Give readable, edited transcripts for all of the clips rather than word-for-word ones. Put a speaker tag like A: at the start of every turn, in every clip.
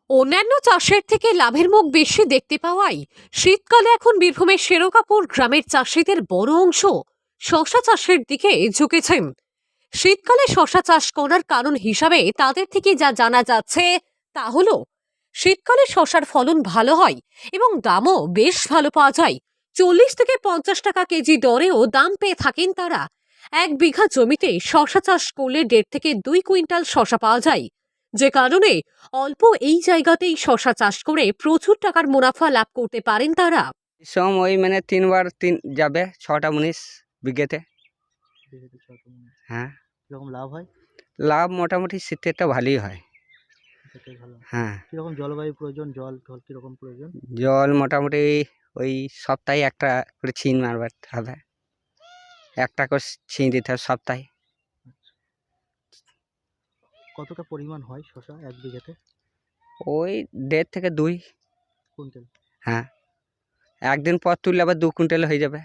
A: অন্যান্য চাষের থেকে লাভের মুখ বেশি দেখতে পাওয়ায় শীতকালে এখন বীরভূমের শেরকাপুর গ্রামের চাষিদের বড় অংশ শশা চাষের দিকে ঝুঁকেছেন। শীতকালে শশা চাষ করার কারণ হিসাবে তাদের থেকে যা জানা যাচ্ছে তা হলো শীতকালে শশার ফলন ভালো হয় এবং দামও বেশ ভালো পাওয়া যায়। 40 থেকে 50 টাকা কেজি দরেও দাম পেয়ে থাকেন তারা। 1 বিঘা জমিতে শশা চাষ করলে 1.5 থেকে 2 কুইন্টাল শশা পাওয়া যায়, যে কারণে অল্প এই জায়গাতেই শশা চাষ করে প্রচুর টাকার মুনাফা লাভ করতে পারেন তারা।
B: সম ওই মানে 3 বার 3 যাবে 6টা 19 বিঘেতে।
C: বিঘাতে 6 টন।
B: হ্যাঁ,
C: কিরকম লাভ হয়?
B: লাভ মোটামুটি শীতেরটা ভালোই হয়।
C: সেটাই ভালো।
B: হ্যাঁ,
C: কিরকম জলবায়ু প্রয়োজন? জল কিরকম প্রয়োজন?
B: জল মোটামুটি ওই সপ্তাহে একটা করে ছিন মারতে হবে, একটা করে ছিন দিতে হবে সপ্তাহে।
C: কতটা পরিমাণ হয় শশা 1 বিঘাতে?
B: ওই 1.5 থেকে 2।
C: কুইন্টাল?
B: হ্যাঁ, একদিন পর তুললে আবার 2 কুইন্টাল হয়ে যাবে।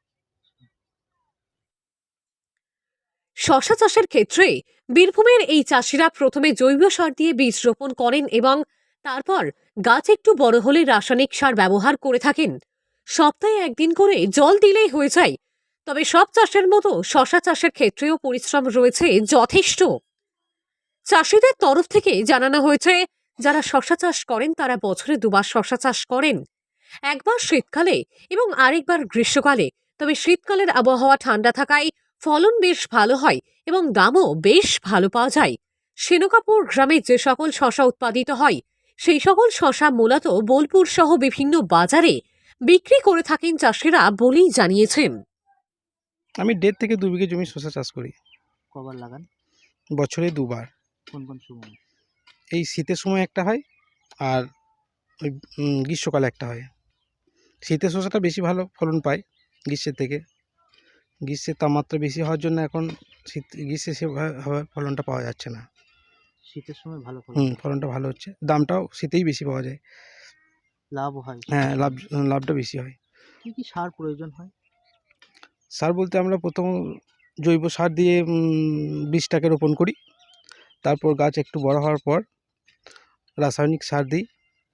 A: শশা চাষের ক্ষেত্রে বীরভূমের এই চাষিরা প্রথমে জৈব সার দিয়ে বীজ রোপণ করেন এবং তারপর গাছ একটু বড় হলে রাসায়নিক সার ব্যবহার করে থাকেন। সপ্তাহে একদিন করে জল দিলেই হয়ে যায়। তবে সব চাষের মতো শশা চাষের ক্ষেত্রেও পরিশ্রম রয়েছে যথেষ্ট। চাষিদের তরফ থেকে জানানো হয়েছে, যারা শশা চাষ করেন তারা বছরে দুবার শশা চাষ করেন, একবার শীতকালে এবং আরেকবার গ্রীষ্মকালে। তবে শীতকালের আবহাওয়া ঠান্ডা থাকায় ফলন বেশ ভালো হয় এবং দামও বেশ ভালো পাওয়া যায়। শেরকাপুর গ্রামে যে সকল শশা উৎপাদিত হয় সেই সকল শশা মূলত বোলপুর সহ বিভিন্ন বাজারে বিক্রি করে থাকেন চাষিরা বলেই জানিয়েছেন।
D: আমি 1.5 থেকে 2 বিঘে জমি শসা চাষ করি।
C: কবার লাগান?
D: বছরে 2 বার।
C: কোন কোন সময়?
D: এই শীতের সময় একটা হয় আর ওই গ্রীষ্মকালে একটা হয়। শীতের শসাটা বেশি ভালো ফলন পায় গ্রীষ্মের থেকে। গ্রীষ্মের তাপমাত্রা বেশি হওয়ার জন্য এখন গ্রীষ্মে সেভাবে ফলনটা পাওয়া যাচ্ছে না।
C: শীতের সময় ভালো ফলন?
D: ফলনটা ভালো হচ্ছে, দামটাও শীতেই বেশি পাওয়া যায়।
C: লাভ হয়?
D: হ্যাঁ, লাভটা বেশি হয়।
C: কি কি সার প্রয়োজন হয়?
D: সার বলতে আমরা প্রথম জৈব সার দিয়ে বীজটাকে রোপণ করি। তারপর গাছ একটু বড় হওয়ার পর রাসায়নিক সার দিই,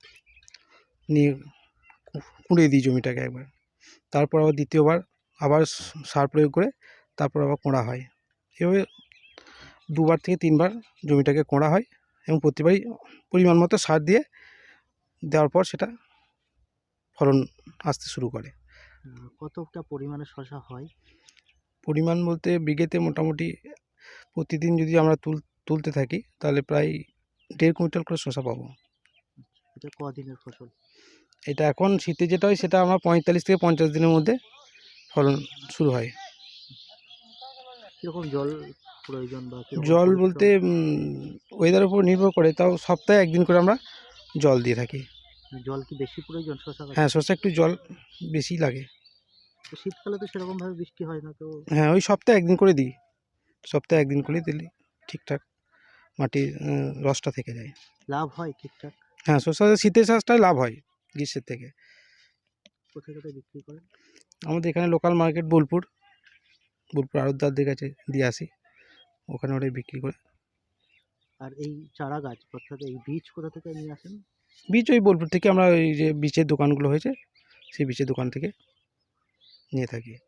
D: নিয়ে কুড়ে দিই জমিটাকে একবার। তারপর আবার দ্বিতীয়বার আবার সার প্রয়োগ করে তারপর আবার কোঁড়া হয়। এভাবে 2 বার থেকে 3 বার জমিটাকে কোঁড়া হয় এবং প্রতিবারই পরিমাণ মতো সার দিয়ে দেওয়ার পর সেটা ফলন আসতে শুরু করে।
C: কতটা পরিমাণে শশা হয়?
D: পরিমাণ বলতে বিঘেতে মোটামুটি প্রতিদিন যদি আমরা তুলতে থাকি তাহলে প্রায় 1.5 কুইন্টাল করে শসা পাবো।
C: এটা কদিনের ফসল?
D: এটা এখন শীতে যেটা হয় সেটা আমরা 45 থেকে 50 দিনের মধ্যে ফলন শুরু হয়।
C: কিরকম জল প্রয়োজন বা
D: জল বলতে ওয়েদারের উপর নির্ভর করে, তাও সপ্তাহে একদিন করে আমরা জল দিয়ে থাকি।
C: জল কি বেশি প্রয়োজন শশা গাছে?
D: হ্যাঁ, শসা একটু জল বেশি লাগে।
C: তো শীতকালে তো সেরকম ভাবে বৃষ্টি হয় না তো?
D: হ্যাঁ, ওই সপ্তাহে একদিন করে দিই। সপ্তাহে একদিন করে দিলে ঠিকঠাক মাটির রসটা থেকে যায়।
C: লাভ হয় ঠিকঠাক?
D: হ্যাঁ, শসা শীতের চাষটায় লাভ হয় গ্রীষ্মের থেকে।
C: কোথায় কোথায় বিক্রি করেন?
D: আমাদের এখানে লোকাল মার্কেট বোলপুর আড়তদারদের কাছে দিয়ে আসি, ওখানে ওটাই বিক্রি করে।
C: আর এই চারা গাছ অর্থাৎ এই বীজ কোথা থেকে নিয়ে আসেন?
D: বীজ ওই বোলপুর থেকে আমরা ওই যে বীজের দোকানগুলো হয়েছে সেই বীজের দোকান থেকে নিয়ে থাকি।